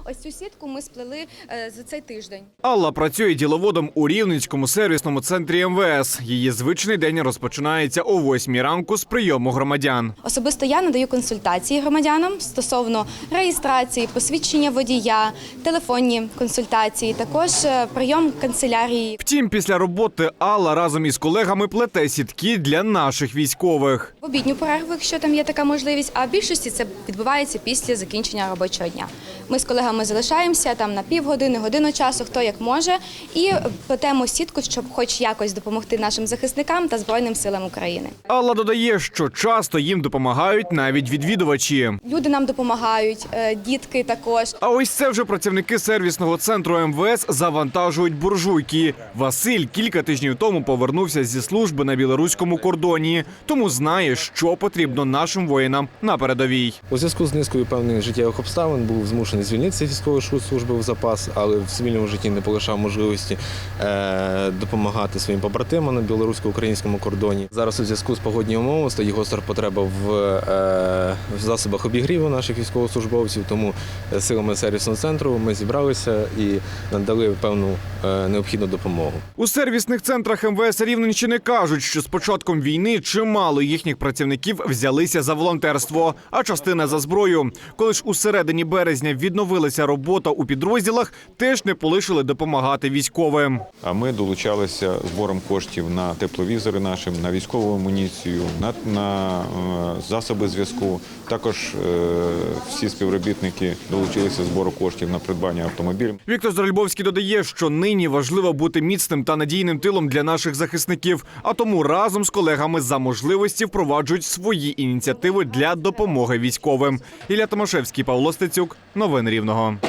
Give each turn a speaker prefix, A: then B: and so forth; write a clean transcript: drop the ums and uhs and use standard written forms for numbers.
A: Ось цю сітку ми сплели за цей тиждень.
B: Алла працює діловодом у Рівненському сервісному центрі МВС. Її звичний день розпочинається о 8 ранку з прийому громадян.
A: Особисто я надаю консультації громадянам стосовно реєстрації, посвідчення водія, телефонні консультації, також прийом канцелярії.
B: Втім, після роботи Алла разом із колегами плете сітки для наших військових.
A: В обідню перерву, якщо там є така можливість, а в більшості це відбувається після закінчення робочого дня. Ми з колегами залишаємося там на півгодини, годину часу, хто як може, і плетемо сітку, щоб хоч якось допомогти нашим захисникам та Збройним силам України.
B: Алла додає, що часто їм допомагають навіть відвідувачі.
A: Люди нам допомагають, дітки також.
B: А ось це вже працівники сервісного центру МВС завантажують буржуйки. Василь кілька тижнів тому повернувся зі служби на білоруському кордоні, тому знає, що потрібно нашим воїнам на передовій.
C: У зв'язку з низкою певних життєвих обставин був змушений звільнитися з військової служби в запас, але в цивільному житті не полишав можливості допомагати своїм побратимам на білорусько-українському кордоні. Зараз у зв'язку з погодніми умовами стоїть гостра потреба в засобах обігріву наших військовослужбовців, тому силами сервісного центру ми зібралися і надали певну необхідну допомогу.
B: У сервісних центрах МВС Рівненщини кажуть, що з початком війни чимало їхніх працівників взялися за волонтерство, а частина за зброю. Коли ж у середині березня відновилася робота у підрозділах, теж не полишили допомагати військовим.
D: А ми долучалися збором коштів на тепловізори нашим, на військову амуніцію, на засоби зв'язку. Також всі співробітники долучилися збору коштів на придбання автомобілів.
B: Віктор Зральбовський додає, що нині важливо бути міцним та надійним тилом для наших захисників, а тому разом з колегами за можливості впроваджують свої ініціативи для допомоги військовим. Ілля Томашевський, Павло Стецюк. Новини Рівного.